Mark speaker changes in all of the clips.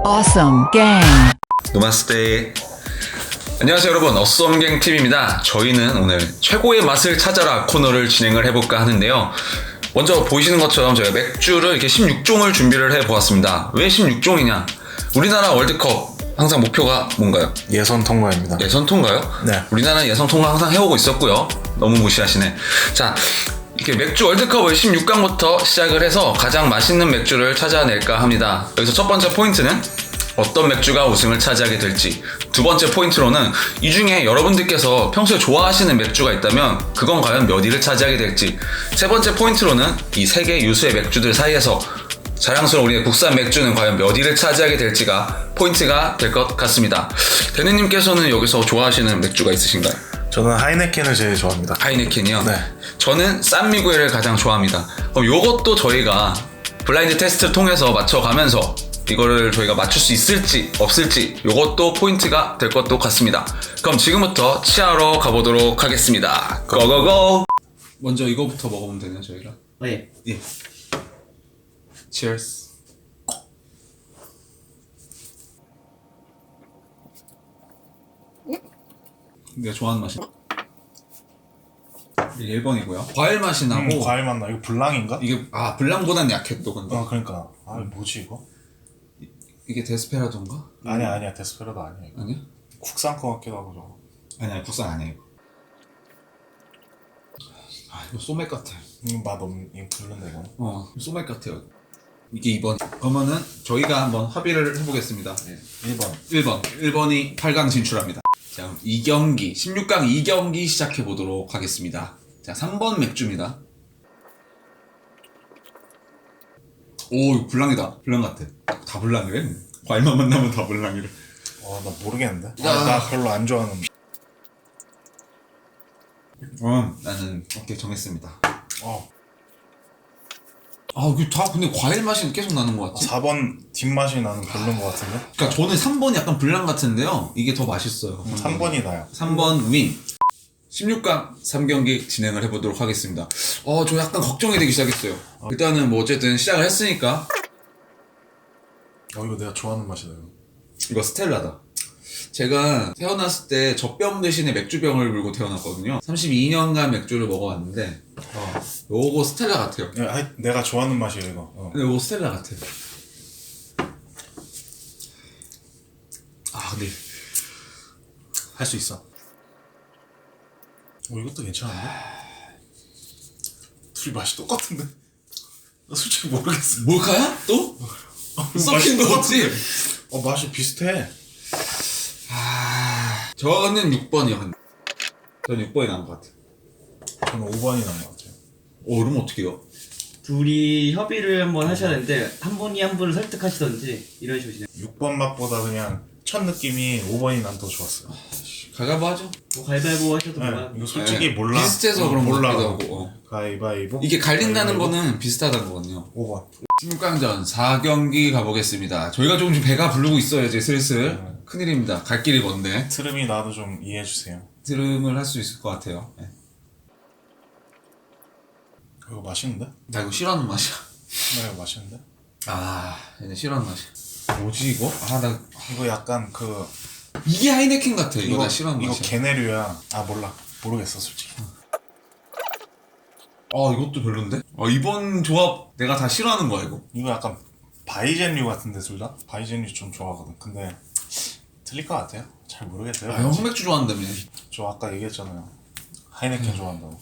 Speaker 1: Awesome Gang.
Speaker 2: 노마스테. 안녕하세요 여러분, 어썸갱 팀입니다. 저희는 오늘 최고의 맛을 찾아라 코너를 진행을 해볼까 하는데요. 먼저 보이시는 것처럼 저희가 맥주를 이렇게 16종을 준비를 해보았습니다. 왜 16종이냐? 우리나라 월드컵 항상 목표가 뭔가요?
Speaker 3: 예선 통과입니다.
Speaker 2: 예선 통과요?
Speaker 3: 네.
Speaker 2: 우리나라는 예선 통과 항상 해오고 있었고요. 너무 무시하시네. 자, 이렇게 맥주 월드컵을 16강부터 시작을 해서 가장 맛있는 맥주를 찾아낼까 합니다. 여기서 첫 번째 포인트는 어떤 맥주가 우승을 차지하게 될지, 두 번째 포인트로는 이 중에 여러분들께서 평소에 좋아하시는 맥주가 있다면 그건 과연 몇 위를 차지하게 될지, 세 번째 포인트로는 이 세 개 유수의 맥주들 사이에서 자랑스러운 우리의 국산 맥주는 과연 몇 위를 차지하게 될지가 포인트가 될 것 같습니다. 대느님께서는 여기서 좋아하시는 맥주가 있으신가요?
Speaker 3: 저는 하이네켄을 제일 좋아합니다.
Speaker 2: 하이네켄이요?
Speaker 3: 네.
Speaker 2: 저는 산미구엘을 가장 좋아합니다. 그럼 요것도 저희가 블라인드 테스트를 통해서 맞춰가면서 이거를 저희가 맞출 수 있을지 없을지 요것도 포인트가 될 것도 같습니다. 그럼 지금부터 치하러 가보도록 하겠습니다. 고고고! 먼저 이거부터 먹어보면 되나요, 저희가?
Speaker 4: 네.
Speaker 2: 예. Cheers. 내가 좋아하는 맛이 이게 1번이고요. 과일 맛이 나고
Speaker 3: 과일 맛나. 이거 블랑인가?
Speaker 2: 이게 블랑보단 약해 또 근데.
Speaker 3: 그러니까. 뭐지 이거?
Speaker 2: 이게 데스페라도인가?
Speaker 3: 아니야. 데스페라도 아니야. 이거.
Speaker 2: 아니야?
Speaker 3: 국산 거 같기도 하고 저거.
Speaker 2: 아니야, 국산 아니야 이거. 이거 소맥 같아.
Speaker 3: 맛 없는, 이거 별론데 이거.
Speaker 2: 소맥 같아요. 이게 2번. 그러면은 저희가 한번 합의를 해보겠습니다.
Speaker 3: 1번.
Speaker 2: 1번이 8강 진출합니다. 자, 그럼 2경기, 16강 2경기 시작해보도록 하겠습니다. 자, 3번 맥주입니다. 오, 이거 블랑이다. 블랑 같아. 다 블랑이래? 과일만 만나면 다 블랑이래.
Speaker 3: 나 모르겠는데? 나 별로 안 좋아하는.
Speaker 2: 나는 오케이 정했습니다.
Speaker 3: 어.
Speaker 2: 이게 다 근데 과일 맛이 계속 나는 것 같지?
Speaker 3: 4번 뒷맛이 나는 별론 것 같은데?
Speaker 2: 그러니까 저는 3번이 약간 블랑 같은데요. 이게 더 맛있어요.
Speaker 3: 3번이 나요.
Speaker 2: 3번 윈. 16강 3경기 진행을 해보도록 하겠습니다. 저 약간 걱정이 되기 시작했어요. 일단은 뭐 어쨌든 시작을 했으니까.
Speaker 3: 이거 내가 좋아하는 맛이다 이거.
Speaker 2: 이거 스텔라다. 제가 태어났을 때 젖병 대신에 맥주병을 물고 태어났거든요. 32년간 맥주를 먹어왔는데 요거 스텔라 같아요.
Speaker 3: 내가 좋아하는 맛이에요 이거.
Speaker 2: 근데 요거 스텔라 같아요. 근데
Speaker 3: 할 수 있어. 이것도 괜찮은데? 둘이 맛이 똑같은데? 나 솔직히 모르겠어.
Speaker 2: 몰카야? 또? 섞인 거 없지?
Speaker 3: 맛이 비슷해.
Speaker 2: 저는 6번이요. 근데 저는 6번이 나은 것 같아요.
Speaker 3: 저는 5번이 나은 것 같아요.
Speaker 2: 그럼 어떻게 해요?
Speaker 4: 둘이 협의를 한번 하셔야 되는데 한 분이 한 분을 설득하시던지 이런 식으로 진행.
Speaker 3: 6번 맛보다 그냥 첫 느낌이 5번이 난 더 좋았어요.
Speaker 2: 가위바위보 하죠?
Speaker 4: 뭐 가위바위보 하셔도
Speaker 3: 네,
Speaker 4: 뭐야.
Speaker 3: 이거 솔직히 몰라.
Speaker 2: 비슷해서 그런 거
Speaker 3: 몰라.
Speaker 2: 같기도 하고.
Speaker 3: 가위바위보.
Speaker 2: 이게 갈린다는 거는 비슷하다는 거거든요.
Speaker 3: 5번.
Speaker 2: 16강전 4경기 가보겠습니다. 저희가 조금 배가 부르고 있어요. 이제 슬슬. 큰일입니다. 갈 길이 먼데
Speaker 3: 트름이 나도 좀 이해해주세요.
Speaker 2: 드름을 할 수 있을 것 같아요. 네.
Speaker 3: 이거 맛있는데?
Speaker 2: 나 이거 싫어하는 맛이야.
Speaker 3: 이거 맛있는데?
Speaker 2: 얘네 싫어하는 맛이야. 뭐지 이거? 나
Speaker 3: 이거 약간
Speaker 2: 이게 하이네켄 같아. 이거 나 싫어하는
Speaker 3: 이거
Speaker 2: 맛이야.
Speaker 3: 게네류야. 몰라. 모르겠어 솔직히.
Speaker 2: 이것도 별론데? 이번 조합 내가 다 싫어하는 거야 이거.
Speaker 3: 이거 약간 바이젠류 같은데 둘 다? 바이젠류 좀 좋아하거든. 근데 틀릴 것 같아요. 잘 모르겠어요.
Speaker 2: 형 흑맥주 좋아한다며.
Speaker 3: 저 아까 얘기했잖아요. 하이네켄 좋아한다고.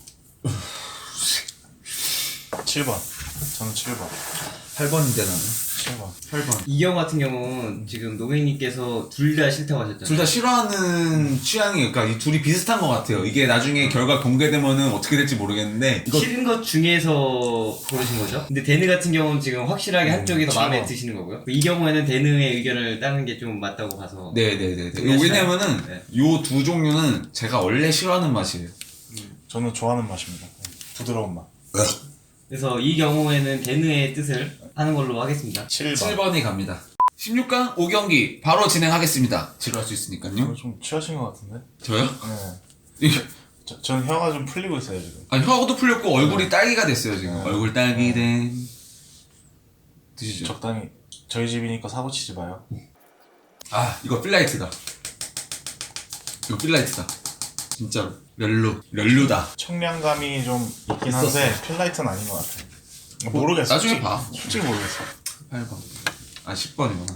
Speaker 3: 7번. 저는 7번.
Speaker 2: 8번인데 나는
Speaker 3: 7번.
Speaker 2: 8번.
Speaker 4: 이경 같은 경우는 지금 노맹님께서 둘 다 싫다고 하셨잖아요.
Speaker 2: 둘 다 싫어하는 취향이, 그러니까 이 둘이 비슷한 것 같아요. 이게 나중에 결과 공개되면은 어떻게 될지 모르겠는데 이거
Speaker 4: 싫은 것 중에서 고르신 거죠? 근데 데느 같은 경우는 지금 확실하게 한쪽이 더 마음에 드시는 거고요. 이 경우에는 데느의 의견을 따는 게 좀 맞다고 봐서.
Speaker 2: 네네네.
Speaker 4: 그냥
Speaker 2: 왜냐면은
Speaker 4: 네.
Speaker 2: 요 두 종류는 제가 원래 싫어하는 맛이에요.
Speaker 3: 저는 좋아하는 맛입니다. 부드러운 맛.
Speaker 4: 그래서 이 경우에는 데느의 뜻을 하는 걸로 하겠습니다.
Speaker 3: 7번.
Speaker 2: 7번이 갑니다. 16강 5경기 바로 진행하겠습니다. 지루할 수 있으니까요.
Speaker 3: 이거 좀 취하신 것 같은데?
Speaker 2: 저요?
Speaker 3: 네. 전 혀가 좀 풀리고 있어요 지금.
Speaker 2: 혀도 풀렸고 얼굴이 딸기가 됐어요 지금. 얼굴 딸기 된. 드시죠.
Speaker 3: 적당히. 저희 집이니까 사고 치지 마요.
Speaker 2: 아 이거 필라이트다. 이거 필라이트다. 진짜로 렐루다.
Speaker 3: 청량감이 좀 있긴 한데 필라이트는 아닌 것 같아. 모르겠어.
Speaker 2: 나중에
Speaker 3: 솔직히.
Speaker 2: 봐.
Speaker 3: 솔직히 모르겠어.
Speaker 2: 8번. 아 10번이구나.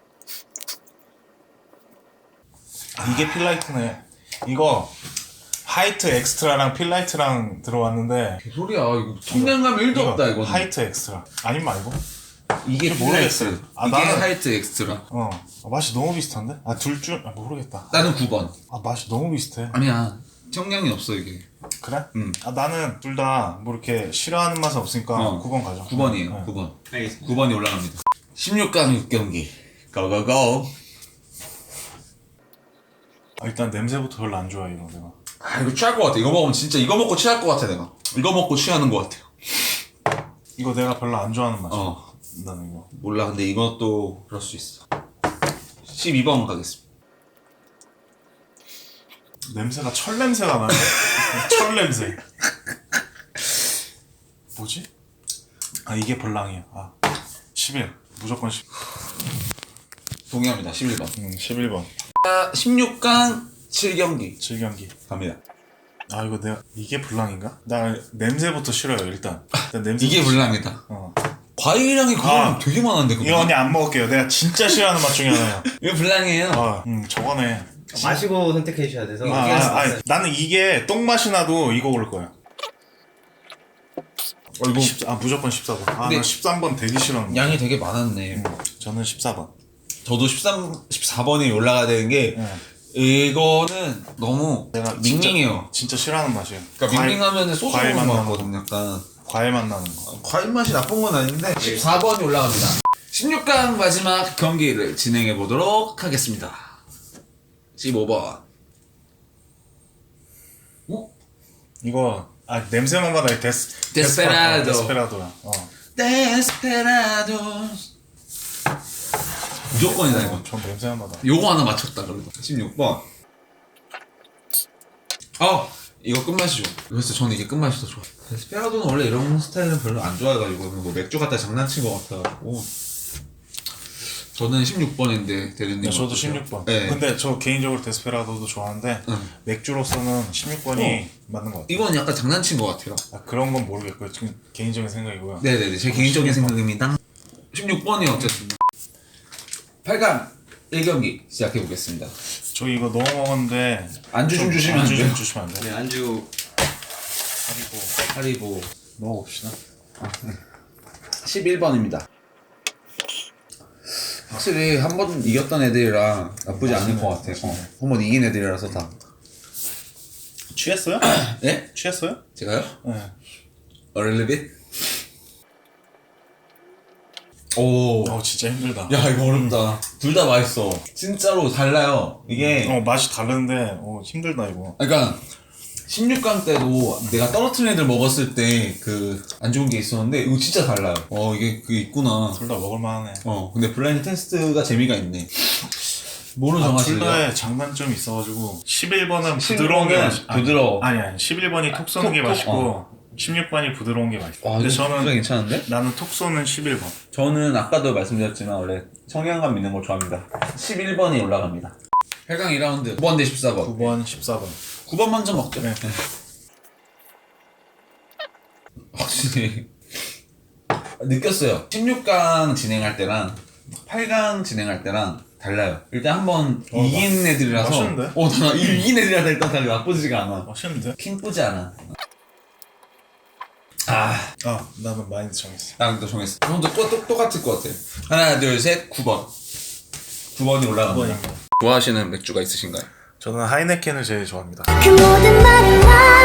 Speaker 3: 이게 필라이트네. 이거 하이트 엑스트라랑 필라이트랑 들어왔는데
Speaker 2: 개소리야. 이거 청량감 1도 없다 이거.
Speaker 3: 하이트 엑스트라. 아니 말고?
Speaker 2: 이게
Speaker 3: 모르겠어.
Speaker 2: 필라이트.
Speaker 3: 아,
Speaker 2: 이게
Speaker 3: 나는-
Speaker 2: 하이트 엑스트라.
Speaker 3: 맛이 너무 비슷한데? 둘 중 모르겠다.
Speaker 2: 나는 9번.
Speaker 3: 맛이 너무 비슷해.
Speaker 2: 아니야. 청량이 없어 이게.
Speaker 3: 그래?
Speaker 2: 응.
Speaker 3: 나는 둘 다 뭐 이렇게 싫어하는 맛은 없으니까
Speaker 2: 어.
Speaker 3: 9번 가자.
Speaker 2: 9번이에요.
Speaker 3: 네.
Speaker 2: 9번.
Speaker 4: 알겠습니다.
Speaker 2: 9번이 올라갑니다. 16강 6경기. 고고고.
Speaker 3: 일단 냄새부터 별로 안 좋아해 이거 내가.
Speaker 2: 아 이거 취할 것 같아. 이거 먹으면 진짜 이거 먹고 취할 것 같아 내가. 이거 먹고 취하는 것 같아요.
Speaker 3: 이거 내가 별로 안 좋아하는 맛이야.
Speaker 2: 어.
Speaker 3: 나는 이거.
Speaker 2: 몰라. 근데 이것도 그럴 수 있어. 12번 가겠습니다.
Speaker 3: 냄새가 철 냄새가 나네. 철 냄새. 뭐지? 이게 벌랑이야. 11. 무조건 10.
Speaker 2: 동의합니다. 11번.
Speaker 3: 11번.
Speaker 2: 16강 7경기
Speaker 3: 7경기.
Speaker 2: 갑니다.
Speaker 3: 이거 내가 이게 불랑인가? 나 냄새부터 싫어요 일단. 냄새.
Speaker 2: 이게 불량이다. 과일량이 그거
Speaker 3: 아.
Speaker 2: 되게 많은데 그거.
Speaker 3: 이거 언니 안 먹을게요. 내가 진짜 싫어하는 맛 중에 하나야.
Speaker 2: 이거 불량이에요.
Speaker 3: 저거네.
Speaker 4: 마시고 선택해 주셔야 돼서.
Speaker 3: 나는 이게 똥맛이 나도 이거 고를 거야. 무조건 14번. 나
Speaker 2: 근데
Speaker 3: 13번 되게 싫어하는
Speaker 2: 양이 되게 많았네.
Speaker 3: 저는 14번.
Speaker 2: 저도 14번이 올라가야 되는 게
Speaker 3: 네.
Speaker 2: 이거는 너무
Speaker 3: 내가
Speaker 2: 밍밍해요.
Speaker 3: 진짜 싫어하는 맛이에요.
Speaker 2: 그러니까 밍밍하면 소주
Speaker 3: 과일
Speaker 2: 먹는
Speaker 3: 맛
Speaker 2: 것
Speaker 3: 나는
Speaker 2: 같거든 약간.
Speaker 3: 과일 맛 나는 거.
Speaker 2: 과일 맛이 나쁜 건 아닌데 14번이 올라갑니다. 16강 마지막 경기를 진행해 보도록 하겠습니다. 15번.
Speaker 3: 이거 냄새만 받아.
Speaker 2: 데스페라도.
Speaker 3: 데스페라도야.
Speaker 2: 데스페라도. 무조건이다 이거.
Speaker 3: 전 냄새만 받아.
Speaker 2: 요거 하나 맞췄다 그래도. 16번. 이거 끝맛이죠. 그래서 저는 이게 끝맛이 더 좋아. 데스페라도는 원래 이런 스타일은 별로 안 좋아해가지고 뭐 맥주 갖다 장난친 것 같아가지고 저는 16번인데 대리님.
Speaker 3: 저도
Speaker 2: 어떠세요?
Speaker 3: 16번.
Speaker 2: 네.
Speaker 3: 근데 저 개인적으로 데스페라도도 좋아하는데 맥주로서는 16번이 맞는 것 같아요.
Speaker 2: 이건 약간 장난친 것 같아요.
Speaker 3: 그런 건 모르겠고요. 지금 개인적인 생각이고요.
Speaker 2: 네네네, 제 개인적인 생각입니다. 16번이 어쨌든 8강 1경기 시작해보겠습니다.
Speaker 3: 저 이거 너무 먹었는데
Speaker 2: 안주 좀 주시면 안
Speaker 3: 안주 좀
Speaker 2: 돼요?
Speaker 3: 주시면 안 돼요?
Speaker 4: 네, 안주.
Speaker 2: 하리보
Speaker 3: 먹어봅시다.
Speaker 2: 11번입니다. 확실히 한 번 이겼던 애들이랑 나쁘지 않을 것 같아요. 한 번 이긴 애들이라서 다.
Speaker 3: 취했어요?
Speaker 2: 네?
Speaker 3: 취했어요?
Speaker 2: 제가요?
Speaker 3: 네.
Speaker 2: A little bit? 오.
Speaker 3: 진짜 힘들다.
Speaker 2: 야, 이거 어렵다. 둘 다 맛있어. 진짜로 달라요. 이게.
Speaker 3: 맛이 다른데 힘들다 이거.
Speaker 2: 그러니까 16강 때도 내가 떨어뜨린 애들 먹었을 때 그 안 좋은 게 있었는데 이거 진짜 달라요. 이게 그게 있구나.
Speaker 3: 둘 다 먹을만하네.
Speaker 2: 근데 블라인드 테스트가 재미가 있네. 뭐로
Speaker 3: 둘
Speaker 2: 정하실래요?
Speaker 3: 다의 장단점이 있어가지고 11번은
Speaker 2: 11번은
Speaker 3: 부드러운 게
Speaker 2: 부드러워.
Speaker 3: 아니 11번이 톡 쏘는 게
Speaker 2: 톡,
Speaker 3: 맛있고 16번이 부드러운 게 맛있어.
Speaker 2: 와,
Speaker 3: 근데
Speaker 2: 이거
Speaker 3: 저는
Speaker 2: 진짜 괜찮은데?
Speaker 3: 나는 톡 쏘는 11번.
Speaker 2: 저는 아까도 말씀드렸지만 원래 청량감 있는 걸 좋아합니다. 11번이 올라갑니다. 8강 2라운드 9번 대 14번.
Speaker 3: 9번, 14번.
Speaker 2: 9번 먼저 먹죠.
Speaker 3: 네.
Speaker 2: 확실히 느꼈어요. 16강 진행할 때랑 8강 진행할 때랑 달라요. 일단 한번 이긴 애들이라서
Speaker 3: 맛있는데?
Speaker 2: 나 이긴 애들이라서 일단 다 나쁘지가 않아.
Speaker 3: 맛있는데?
Speaker 2: 킹쁘지 않아.
Speaker 3: 나는 마인드 정했어.
Speaker 2: 나도 정했어. 형도 똑같을 것 같아. 하나 둘셋 9번. 9번이 올라갑니다.
Speaker 3: 9번입니다.
Speaker 2: 좋아하시는 맥주가 있으신가요?
Speaker 3: 저는 하이네켄을 제일 좋아합니다.
Speaker 1: 그 모든 말을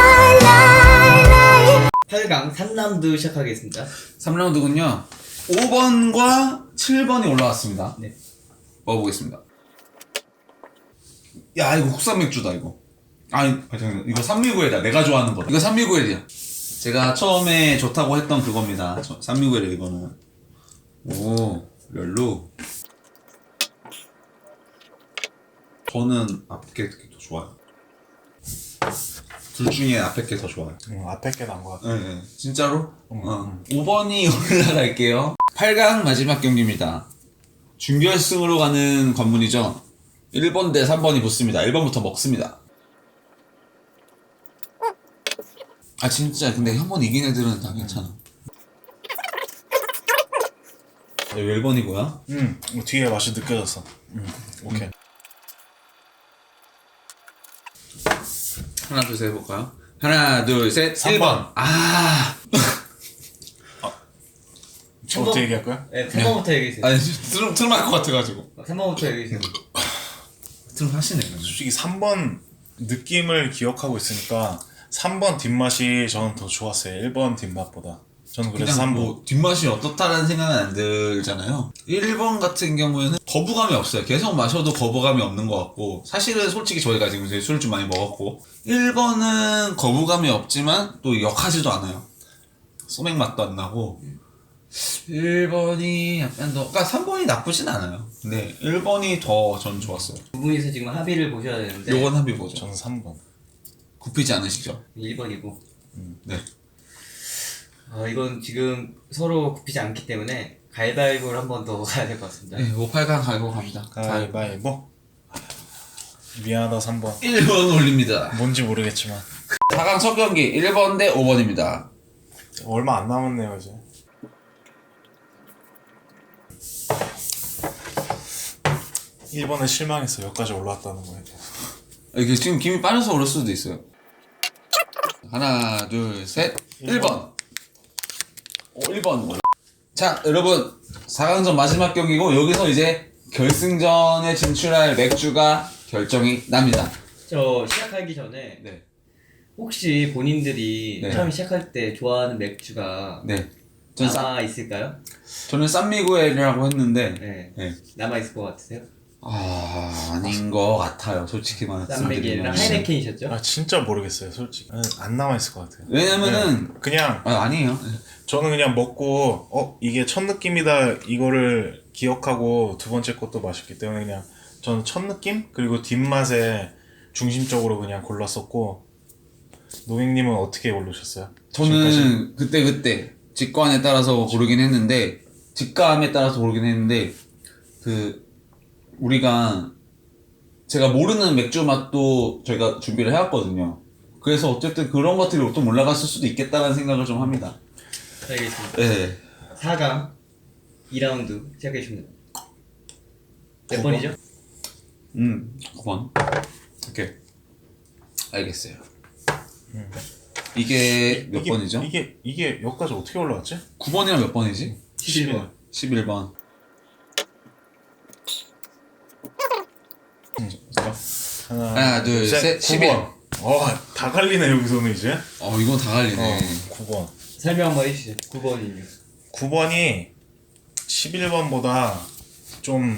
Speaker 1: lie
Speaker 4: 8강 3라운드 시작하겠습니다.
Speaker 2: 3라운드군요. 5번과 7번이 올라왔습니다.
Speaker 4: 네.
Speaker 2: 먹어보겠습니다. 야, 이거 국산 맥주다, 이거. 잠깐만. 이거 산미구엘이다. 내가 좋아하는 거. 이거 산미구엘이야. 제가 처음에 좋다고 했던 그겁니다. 산미구엘이에요, 이거는. 오, 렐루. 저는 앞에 게 더 좋아요. 둘 중에 앞에 게 더 좋아요.
Speaker 3: 앞에 게 나은 것 같아.
Speaker 2: 네, 진짜로? 5번이 올라갈게요. 8강 마지막 경기입니다. 준결승으로 가는 관문이죠. 1번 대 3번이 붙습니다. 1번부터 먹습니다. 아 진짜 근데 한 번 이긴 애들은 다 괜찮아. 1번이고요.
Speaker 3: 뒤에 맛이 느껴졌어. 오케이.
Speaker 2: 하나 둘 셋 해볼까요? 하나 둘 셋
Speaker 3: 3번.
Speaker 2: 1번. 아
Speaker 3: 지금부터 얘기할 거야?
Speaker 4: 네, 3번부터 얘기해주세요.
Speaker 2: 아니 트름 할 것 같아가지고.
Speaker 4: 3번부터 얘기해주세요.
Speaker 2: 트름 하시네.
Speaker 3: 솔직히 3번 느낌을 기억하고 있으니까 3번 뒷맛이 저는 더 좋았어요. 1번 뒷맛보다. 저는 그래서
Speaker 2: 그냥
Speaker 3: 3번.
Speaker 2: 뭐 뒷맛이 어떻다라는 생각은 안 들잖아요. 1번 같은 경우에는 거부감이 없어요. 계속 마셔도 거부감이 없는 것 같고, 사실은 솔직히 저희가 지금 술을 좀 많이 먹었고 1번은 거부감이 없지만 또 역하지도 않아요. 소맥 맛도 안 나고 1번이 약간 더, 그러니까 3번이 나쁘진 않아요. 근데 1번이 더 전 좋았어요.
Speaker 4: 두 분이서 지금 합의를 보셔야 되는데
Speaker 2: 요건 합의 보죠.
Speaker 3: 저는 3번.
Speaker 2: 굽히지 않으시죠?
Speaker 4: 1번이고
Speaker 2: 네.
Speaker 4: 이건 지금 서로 굽히지 않기 때문에 가위바위보를 한 번 더 가야 될 것 같습니다.
Speaker 2: 네, 5,8강 갈고 갑니다.
Speaker 3: 가위바위보. 미안하다 3번.
Speaker 2: 1번 올립니다.
Speaker 3: 뭔지 모르겠지만
Speaker 2: 4강 첫 경기 1번 대 5번입니다.
Speaker 3: 얼마 안 남았네요 이제. 일본에 실망했어. 여기까지 올라왔다는 거에 대해서.
Speaker 2: 이게 지금 김이 빠져서 오를 수도 있어요. 하나, 둘, 셋. 1번. 1번. 자, 여러분. 4강전 마지막 경기고, 여기서 이제 결승전에 진출할 맥주가 결정이 납니다.
Speaker 4: 저 시작하기 전에
Speaker 2: 네.
Speaker 4: 혹시 본인들이
Speaker 2: 네.
Speaker 4: 처음 시작할 때 좋아하는 맥주가
Speaker 2: 네. 전
Speaker 4: 남아 있을까요?
Speaker 2: 저는 쌈미구엘이라고 했는데,
Speaker 4: 네.
Speaker 2: 네.
Speaker 4: 남아 있을 것 같으세요?
Speaker 2: 아닌 것 같아요. 솔직히
Speaker 4: 쌈맥이랑
Speaker 2: 말씀드리면.
Speaker 4: 하이네켄이셨죠?
Speaker 3: 아 진짜 모르겠어요 솔직히. 안 남아있을 것 같아요.
Speaker 2: 왜냐면은,
Speaker 3: 네. 그냥
Speaker 2: 아니에요.
Speaker 3: 저는 그냥 먹고 이게 첫 느낌이다 이거를 기억하고 두 번째 것도 맛있기 때문에 그냥 저는 첫 느낌 그리고 뒷맛에 중심적으로 그냥 골랐었고. 노잉님은 어떻게 고르셨어요?
Speaker 2: 저는 그때 직관에 따라서 고르긴 했는데, 직감에 따라서 고르긴 했는데, 우리가 제가 모르는 맥주 맛도 저희가 준비를 해왔거든요. 그래서 어쨌든 그런 것들이 좀 올라갔을 수도 있겠다는 생각을 좀 합니다.
Speaker 4: 알겠습니다.
Speaker 2: 네.
Speaker 4: 4강 2라운드 시작해주시면 됩니다. 몇
Speaker 3: 9번?
Speaker 4: 번이죠?
Speaker 2: 9번. 오케이. 알겠어요. 이게 몇 번이죠?
Speaker 3: 이게 여기까지 어떻게 올라왔지?
Speaker 2: 9번이랑 몇 번이지?
Speaker 4: 11번.
Speaker 2: 11번. 하나, 둘, 셋,
Speaker 3: 9번. 다 갈리네 여기서는 이제.
Speaker 2: 이건 다 갈리네.
Speaker 3: 9번.
Speaker 4: 설명 한번 해주시죠. 9번이요.
Speaker 3: 9번이 11번보다 좀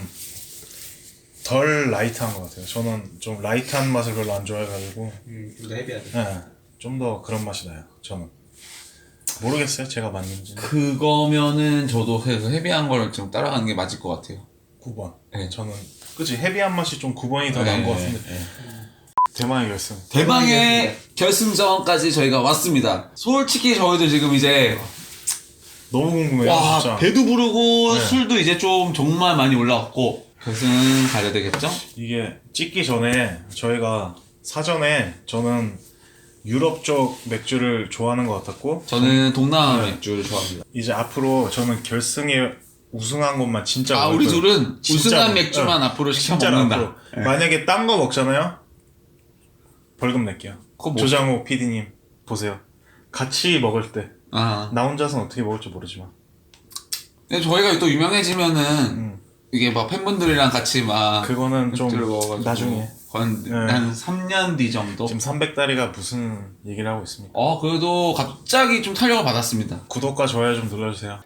Speaker 3: 덜 라이트한 것 같아요. 저는 좀 라이트한 맛을 별로 안 좋아해가지고
Speaker 4: 좀 더 헤비하죠.
Speaker 3: 좀 더 그런 맛이 나요. 저는 모르겠어요. 제가 맞는지.
Speaker 2: 그거면은 저도 그 헤비한 걸 좀 따라가는 게 맞을 것 같아요.
Speaker 3: 9번.
Speaker 2: 네.
Speaker 3: 저는 그치 헤비한 맛이 좀 9번이 더 나은 것 같은데. 대망의 결승.
Speaker 2: 대망의 결승전까지 저희가 왔습니다. 솔직히 저희도 지금 이제
Speaker 3: 너무 궁금해요.
Speaker 2: 와
Speaker 3: 진짜.
Speaker 2: 배도 부르고
Speaker 3: 네.
Speaker 2: 술도 이제 좀 정말 많이 올라왔고 결승 가야 되겠죠?
Speaker 3: 이게 찍기 전에 저희가 사전에 저는 유럽 쪽 맥주를 좋아하는 것 같았고
Speaker 2: 저는 동남아 맥주를 좋아합니다.
Speaker 3: 이제 앞으로 저는 결승에 우승한 것만 진짜 먹을
Speaker 2: 우리
Speaker 3: 거예요.
Speaker 2: 둘은
Speaker 3: 진짜로.
Speaker 2: 우승한 맥주만 앞으로 시켜
Speaker 3: 진짜로
Speaker 2: 먹는다.
Speaker 3: 앞으로.
Speaker 2: 네.
Speaker 3: 만약에 딴 거 먹잖아요. 벌금 낼게요.
Speaker 2: 그거 뭐-
Speaker 3: 조장호 PD님 보세요. 같이 먹을 때 나
Speaker 2: 아,
Speaker 3: 혼자서는 어떻게 먹을지 모르지만
Speaker 2: 근데 저희가 또 유명해지면은 이게 막 팬분들이랑 같이 막
Speaker 3: 그거는 좀
Speaker 2: 맥주를 먹어가지고
Speaker 3: 나중에
Speaker 2: 한 3년 뒤 정도.
Speaker 3: 지금 300다리가 무슨 얘기를 하고 있습니까?
Speaker 2: 그래도 갑자기 좀 탄력을 받았습니다.
Speaker 3: 구독과 좋아요 좀 눌러주세요.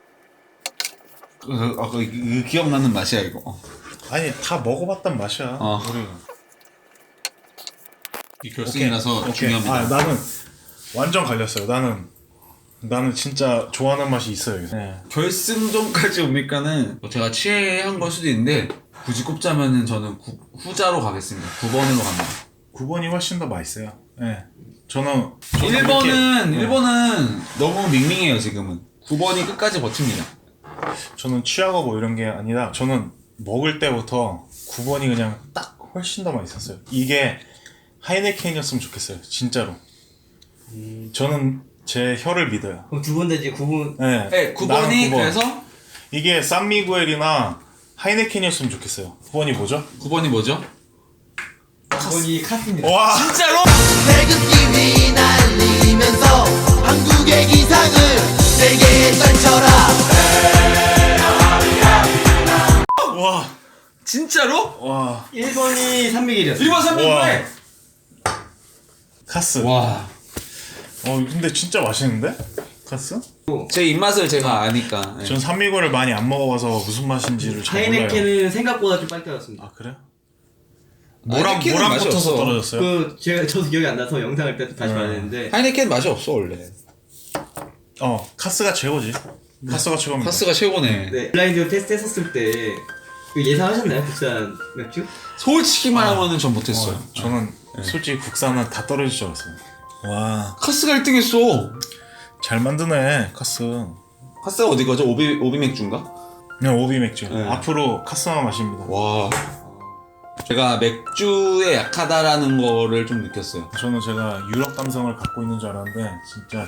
Speaker 2: 그 기억나는 맛이야 이거.
Speaker 3: 아니 다 먹어봤단 맛이야. 우리
Speaker 2: 이 결승이라서
Speaker 3: 오케이.
Speaker 2: 중요합니다.
Speaker 3: 나는 완전 갈렸어요. 나는 진짜 좋아하는 맛이 있어요. 네.
Speaker 2: 결승전까지 오니까는 제가 취한 걸 수도 있는데 굳이 꼽자면은 저는 후자로 가겠습니다. 9번으로 갑니다.
Speaker 3: 9번이 훨씬 더 맛있어요. 네. 저는
Speaker 2: 1번은 너무 밍밍해요 지금은. 9번이 끝까지 버팁니다.
Speaker 3: 저는 취하고 뭐 이런 게 아니라 저는 먹을 때부터 9번이 그냥 딱 훨씬 더 맛있었어요. 이게 하이네켄이었으면 좋겠어요. 진짜로. 저는 제 혀를 믿어요.
Speaker 4: 그럼 두 분 다 이제 구분.
Speaker 3: 네,
Speaker 2: 네,
Speaker 3: 나는
Speaker 2: 9번이
Speaker 3: 9번.
Speaker 2: 그래서
Speaker 3: 이게 산미구엘이나 하이네켄이었으면 좋겠어요. 9번이 뭐죠?
Speaker 2: 9번이 뭐죠?
Speaker 4: 9번이 카스입니다.
Speaker 3: 와,
Speaker 2: 진짜로?
Speaker 1: 태극기 휘날리면서 한국의 기상을 세계에 떨쳐라.
Speaker 3: 와,
Speaker 2: 진짜로?
Speaker 3: 와,
Speaker 4: 1번이 301이었어요.
Speaker 2: 1번 3번에
Speaker 3: 카스.
Speaker 2: 와.
Speaker 3: 근데 진짜 맛있는데? 카스?
Speaker 2: 제 입맛을 제가 아니까. 네.
Speaker 3: 전 산미구엘을 많이 안 먹어봐서 무슨 맛인지를 잘 몰라요.
Speaker 4: 하이네켄은 생각보다 좀 빨리 떨어졌습니다.
Speaker 3: 아, 그래요?
Speaker 2: 하이네켄은
Speaker 3: 뭐랑
Speaker 2: 맛이
Speaker 3: 붙어서
Speaker 2: 없어.
Speaker 3: 떨어졌어요?
Speaker 4: 저도 기억이 안 나서 영상을 다시 봐야 되는데.
Speaker 2: 하이네켄 맛이 없어 원래.
Speaker 3: 카스가 최고지. 카스가 최고입니다.
Speaker 2: 카스가 최고네.
Speaker 4: 네, 블라인드 테스트 했었을 때 예상하셨나요? 국산 맥주?
Speaker 2: 솔직히 말하면은 전 못했어요.
Speaker 3: 저는 솔직히 국산은 다 떨어질 줄 알았어요. 와,
Speaker 2: 카스가 1등했어.
Speaker 3: 잘 만드네, 카스.
Speaker 2: 카스가 어디 거죠? 오비 맥주인가?
Speaker 3: 그냥 오비 맥주.
Speaker 2: 네.
Speaker 3: 앞으로 카스만 마십니다.
Speaker 2: 와. 제가 맥주에 약하다라는 거를 좀 느꼈어요.
Speaker 3: 저는 제가 유럽 감성을 갖고 있는 줄 알았는데 진짜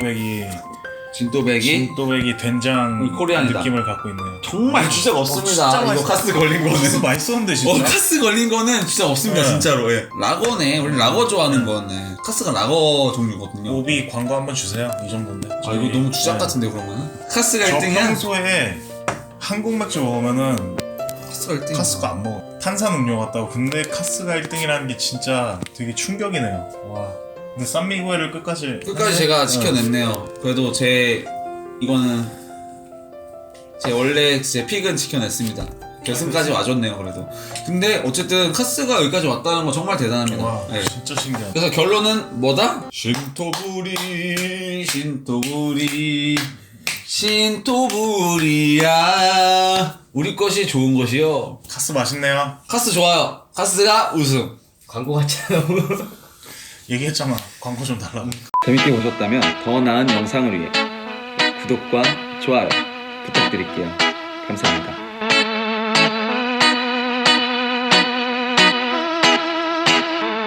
Speaker 2: 진또백이
Speaker 3: 진또백이 된장
Speaker 2: 코리안이다.
Speaker 3: 느낌을 갖고 있네요.
Speaker 2: 정말 주제가 없습니다.
Speaker 3: 진짜
Speaker 2: 이거
Speaker 3: 맛있어.
Speaker 2: 카스 걸린 거는.
Speaker 3: 카스 맛있었는데 진짜.
Speaker 2: 카스 걸린 거는 진짜 없습니다.
Speaker 3: 네.
Speaker 2: 진짜로. 예. 라거네. 우리 라거 좋아하는 거네. 카스가 라거 종류거든요.
Speaker 3: 오비 광고 한번 주세요. 이 정도인데.
Speaker 2: 아 이거 너무 주작 같은데 그러면은? 카스가
Speaker 3: 저
Speaker 2: 1등이야?
Speaker 3: 평소에 한국 맥주 먹으면은
Speaker 2: 카스가 1등.
Speaker 3: 카스가 안 먹어. 탄산 음료 같다고. 근데 카스가 1등이라는 게 진짜 되게 충격이네요. 와. 근데 산미구엘을 끝까지
Speaker 2: 제가 지켜냈네요. 그래도 이거는 제 원래 제 픽은 지켜냈습니다. 결승까지 와줬네요. 그래도. 근데 어쨌든 카스가 여기까지 왔다는 거 정말 대단합니다.
Speaker 3: 와,
Speaker 2: 네.
Speaker 3: 진짜 신기하다.
Speaker 2: 그래서 결론은 뭐다? 신토부리야. 우리 것이 좋은 것이요.
Speaker 3: 카스 맛있네요.
Speaker 2: 카스 좋아요. 카스가 우승.
Speaker 4: 광고 같잖아요.
Speaker 3: 얘기했잖아. 광고 좀 달라고.
Speaker 2: 재밌게 보셨다면 더 나은 영상을 위해 구독과 좋아요 부탁드릴게요. 감사합니다.